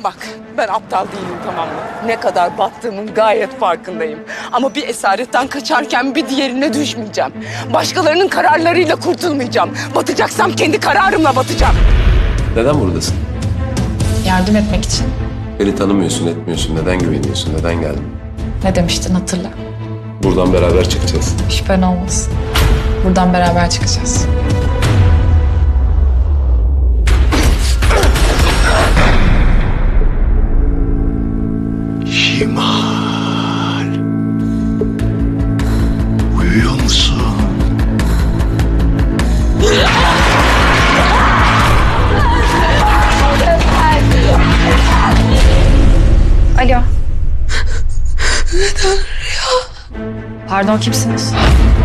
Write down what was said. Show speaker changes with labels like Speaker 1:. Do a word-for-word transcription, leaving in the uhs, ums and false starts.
Speaker 1: Bak, ben aptal değilim, tamam mı? Ne kadar battığımın gayet farkındayım. Ama bir esaretten kaçarken bir diğerine düşmeyeceğim. Başkalarının kararlarıyla kurtulmayacağım. Batacaksam kendi kararımla batacağım.
Speaker 2: Neden buradasın?
Speaker 3: Yardım etmek için.
Speaker 2: Beni tanımıyorsun, etmiyorsun. Neden güveniyorsun? Neden geldin?
Speaker 3: Ne demiştin hatırla.
Speaker 2: Buradan beraber çıkacağız.
Speaker 3: Şüphen olmasın. Buradan beraber çıkacağız.
Speaker 4: Şimal. Uyuyor musun?
Speaker 3: Alo. Pardon, kimsiniz?